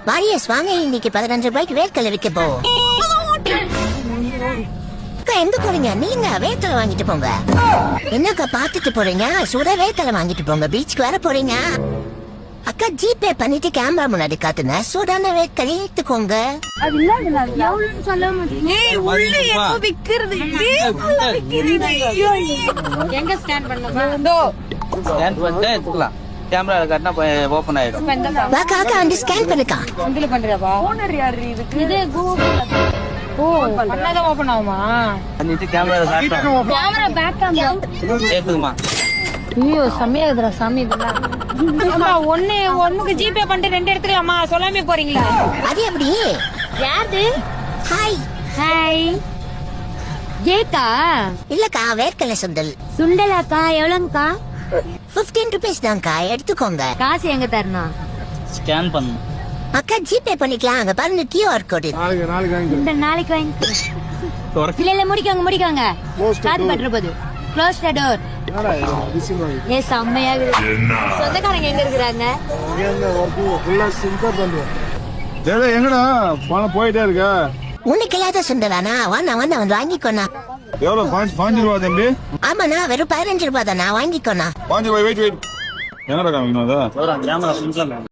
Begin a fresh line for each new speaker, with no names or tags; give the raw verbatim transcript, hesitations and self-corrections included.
Warriors வாங்க, இன்னைக்கு பதினஞ்சு ரூபாய்க்கு வேர்க்கடலை விற்க போ. அக்கா எங்க போறீங்க? நீங்க வேர்க்கடலை வாங்கிட்டு போங்க. என்னக்கா பாத்துட்டு போறீங்க? சுட வேர்க்கடலை வாங்கிட்டு போங்க. பீச்சுக்கு வர போறீங்க. அக்கா ஜிபே பண்ணிட்டு கேமரா முன்னாடி காட்டுங்க. சூடான வேர்க்கடலை எடுத்துக்கோங்க.
எங்க ஸ்கேன் பண்ண
கேமரா காட்டினா ஓபன் ஆயிடும்.
வாக்கா அக்கா வந்து ஸ்கேன் பண்ணுக்கா.
இதுல பண்றியாப்பா? ஓனர் யாரு இதுக்கு? இது கூகுள். ஓ, பண்ணாதான் ஓபன் ஆகுமா?
பண்ணிட்டு கேமரா காட்டணும்.
கேமரா பேக் கேமரா
ஏத்துக்குமா?
ஐயோ செம்மையா இருக்குடா சாமி இதெல்லாம். அம்மா ஒண்ணு ஒண்ணுக்கு ஜிபே பண்ணிட்டு ரெண்டு எடுத்துக்கலாமா? சொல்லாமே போறீங்களா?
அது எப்படி?
யாரு?
ஹாய்.
ஹாய். ஏக்கா?
இல்லக்கா வேர்க்கடலை சுண்டல்.
சுண்டலாக்கா எவ்வளவுக்கா?
பிப்டீன் ருபீஸ் தான்க்கா, எடுத்துக்கோங்க.
காசு எங்க தரணும்?
ஸ்கேன் பண்ணு.
அக்கா ஜிபே பண்ணிக்கலாம். அங்க பாருங்க கியூஆர் கோடு.
இந்த நாளைக்கு வாங்கி இல்ல இல்ல முடிக்கோங்க முடிக்கோங்க. காத்து பற்ற போது க்ளோஸ் த டோர். ஏ செம்மையா இருக்கு. சொந்தக்காரங்க எங்க இருக்கிறாங்க?
எங்கடா பணம் போயிட்டே இருக்க?
உனக்கு இல்லாத சுண்டலானா? வாண்ணா வாண்ணா வந்து வாங்கிக்கோண்ணா.
எவ்வளவு? பாஞ்சு ரூபா தம்பி.
ஆமாண்ணா வெறும் பதினஞ்சு ரூபாய் தானா, வாங்கிக்கோண்ணா.
பாஞ்சு ரூபாய். வெயிட் வெயிட் என்னடா காமிக்கணும்?
கேமரா